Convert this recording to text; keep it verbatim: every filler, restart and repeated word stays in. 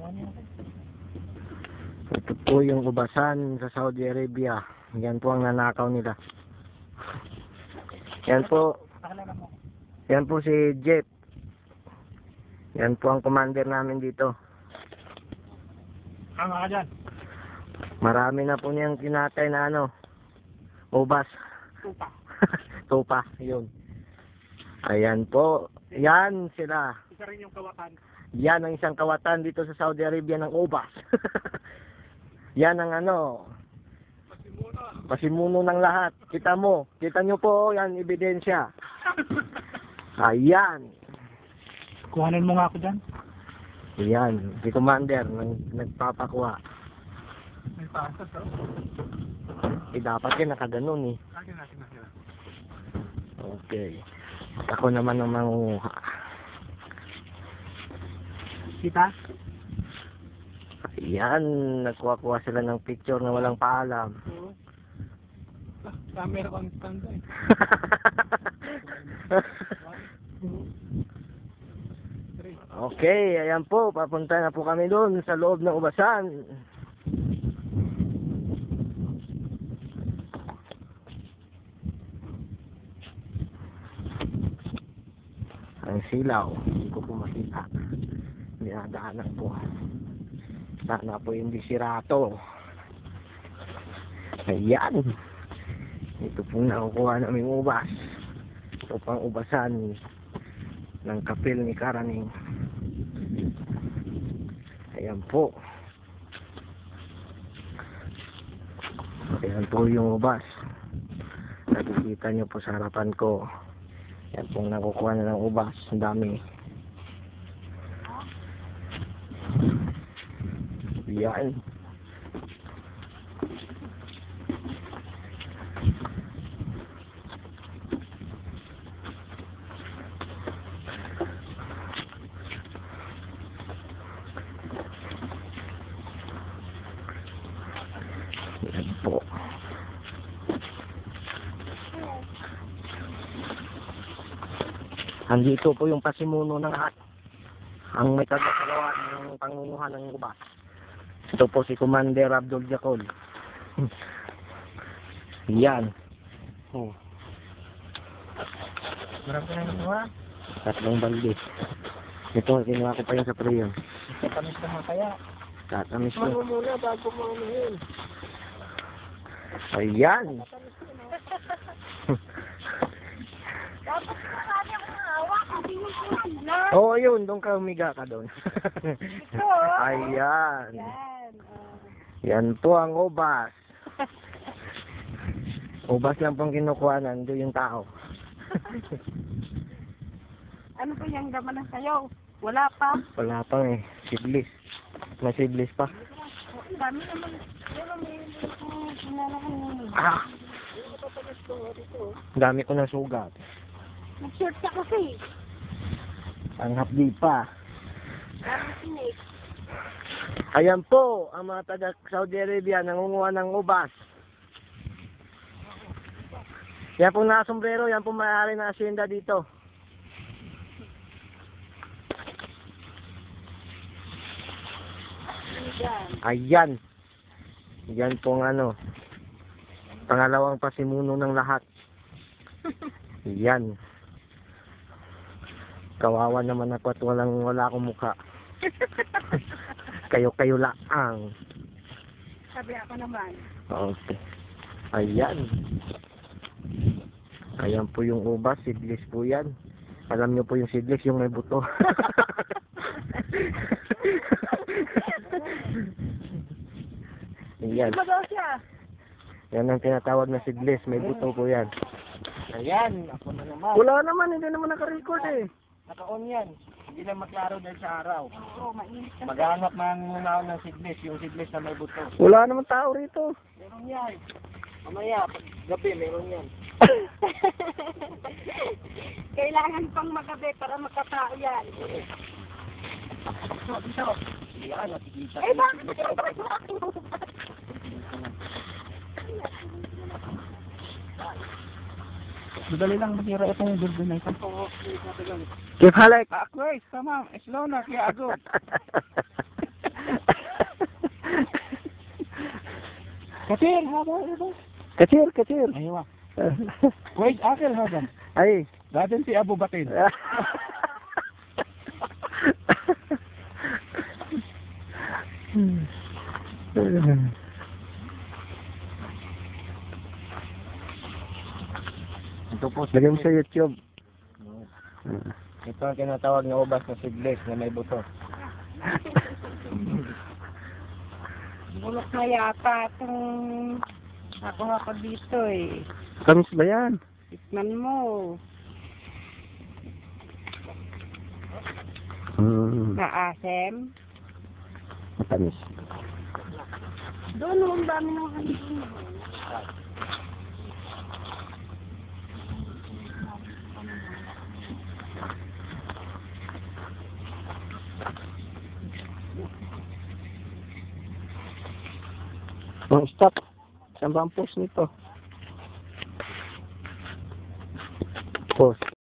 Ito po yung ubasan sa Saudi Arabia. Yan po ang nanakaw nila. Yan po. Yan po si Jeff. Yan po ang commander namin dito. Tama ka dyan. Marami na po niyang kinatay na ano. Ubas. Tupa. Tupa. Yun. Ayan po. Yan sila. Isa rin yung kawatan. Yan ang isang kawatan dito sa Saudi Arabia ng ubas. Yan ang ano. Pasimuno. Pasimuno ng lahat. Kita mo. Kita nyo po. Yan, ebidensya. Ayan. Kuhanin mo nga ako dyan. Ayan. Si Commander nag, nagpapakuha. May pasas oh. Eh, dapat yan nakaganon eh. Akin natin natin. Okay. Ako naman ang mangunguha. Kita? Ayan. Nagkuha-kuha sila ng picture na walang paalam. Oo. Ah, camera constant eh. Okay, ayan po. Papunta na po kami doon sa loob ng ubasan. Ang silaw. Hindi ko po makita. Dinadaanan po. Sana po hindi sirato. Ayan. Ito pong nakukuha namin ubas. Ito pang ubasan ng kapil ni Karaning. Ayan po. Ayan po yung ubas. Nakikita nyo po sa harapan ko. Ayan pong nakukuha na ng ubas. Ang dami. Ayan. Ayan po. Andito po yung pasimuno ng lahat. Ang may kagagawa ng pangunguha ng ubas. Ito po si Commander Abdul Jacol. Yan. Oh. Marami ka na nakuha? Tatlong balde. Ito, kinuha ko pa yung sa prayer. Katamis naman kaya. Tatamis ko. Ano muna bago mo ano yun? Ayan. Dapat marami akong hawak. Hindi mo ko sila. Oo, oh, yun. Doon ka umiga ka doon. Ito. Ayan. Yan. oh. Yan po ang ubas. Ubas lang pong kinukuha. Nandun yung tao. Ano pa yung gaman ng sayaw? Wala pa. Wala pang eh. Siblis. May siblis pa. Ang dami naman. Pero may sinalahan. Ah! Dami ko ng sugat. Nag-short ka kasi. Ang hapdi pa. Dami sinig. Ayan po, ang mga taga Saudi Arabia nangunguha ng ubas. Yan pong nakasombrero, yan pong may-ari ng asyenda dito. Ayan. Yan pong ano, pangalawang pasimuno ng lahat. Yan. Kawawa naman ako at walang wala akong mukha. Kayo-kayo laang. Sabi ako naman. Okay. Ayan. Ayan po yung ubas. Seedless po yan. Alam nyo po yung seedless, yung may buto. Ayan. Iba daw siya. Yan ang tinatawag na seedless. May buto po yan. Ayan, ako na naman. Wala naman. Hindi naman naka-record eh. Naka-on yan. Hindi lang maklaro dahil sa araw. Oo, mainit kasi. Maghanap ng naon ng seedless, yung seedless na may buto. Wala naman tao rito. Meron yan. Mamaya, pag gabi, meron yan. Kailangan pang magabi para makatao yan. So, dito. Yan, nakikita. Eh, bakit pinapakit mo aking Madali lang masira itong building na ito. Oo, Kif halik? Ako eh, sama. Slow na, kaya ako. كثير هذا هذا كثير كثير. ايوه كويس اكل هذا اي. بعدين في ابو بطين ito po Lagay mo sa YouTube. ito ang tinatawag na ubas na seedless na may buto. Bulok na yata itong nakuha ko dito eh. Kamis ba yan? Tikman mo. Hmm. Maasim. Matamis. Doon ang dami ng kanina. Oh, stop. Saan ba ang post nito? Post.